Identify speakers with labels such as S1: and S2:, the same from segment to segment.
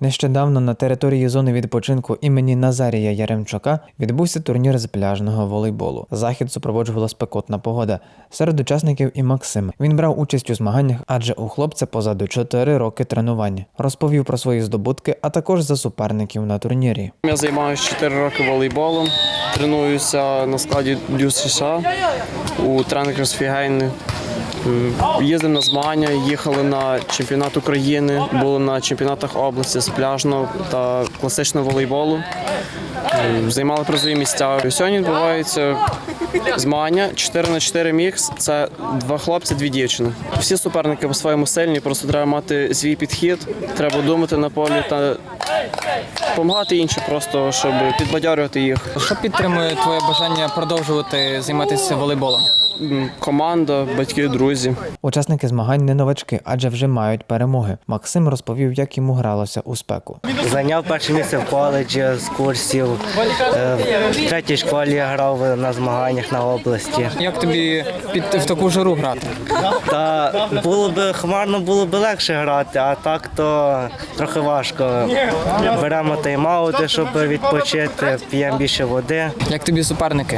S1: Нещодавно на території зони відпочинку імені Назарія Яремчука відбувся турнір з пляжного волейболу. Захід супроводжувала спекотна погода. Серед учасників і Максим. Він брав участь у змаганнях, адже у хлопця позаду 4 роки тренувань. Розповів про свої здобутки, а також за суперників на турнірі.
S2: Я займаюся 4 роки волейболом, тренуюся на складі Дюс США у тренерів з Фігейни. Їздив на змагання, їхали на чемпіонат України, були на чемпіонатах області з пляжного та класичного волейболу. Займали призові місця. Сьогодні відбуваються змагання 4х4 мікс. Це 2 хлопці, 2 дівчини. Всі суперники по-своєму сильні, просто треба мати свій підхід, треба думати на полі та допомагати іншим, просто щоб підбадьорювати їх.
S3: Що підтримує твоє бажання продовжувати займатися волейболом?
S2: Команда, батьки, друзі.
S1: Учасники змагань не новачки, адже вже мають перемоги. Максим розповів, як йому гралося у спеку.
S4: Зайняв перше місце в коледжі з курсів. В третій школі я грав на змаганнях на області.
S3: Як тобі в таку жару грати?
S4: Та було б хмарно, було б легше грати, а так то трохи важко. Беремо тайм-аути, щоб відпочити, п'ємо більше води.
S3: Як тобі суперники?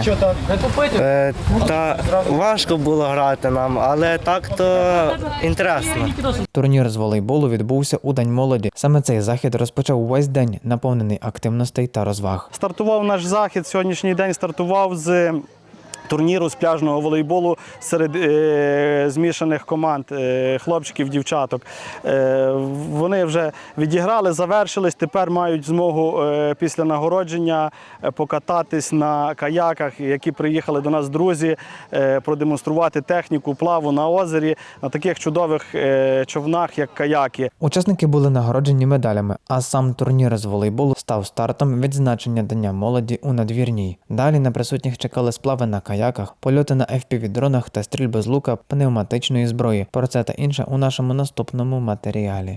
S4: Та важко було грати нам, але так то інтересно.
S1: Турнір з волейболу відбувся у День молоді. Саме цей захід розпочав увесь день, наповнений активностей та розваг.
S5: Стартував наш захід, сьогоднішній день стартував з турніру з пляжного волейболу серед змішаних команд хлопчиків, дівчаток. Вони вже відіграли, завершились, тепер мають змогу після нагородження покататись на каяках, які приїхали до нас друзі, продемонструвати техніку плаву на озері, на таких чудових човнах, як каяки.
S1: Учасники були нагороджені медалями, а сам турнір з волейболу став стартом відзначення Дня молоді у Надвірній. Далі на присутніх чекали сплави на каяках, польоти на FPV-дронах та стрільби з лука пневматичної зброї. Про це та інше у нашому наступному матеріалі.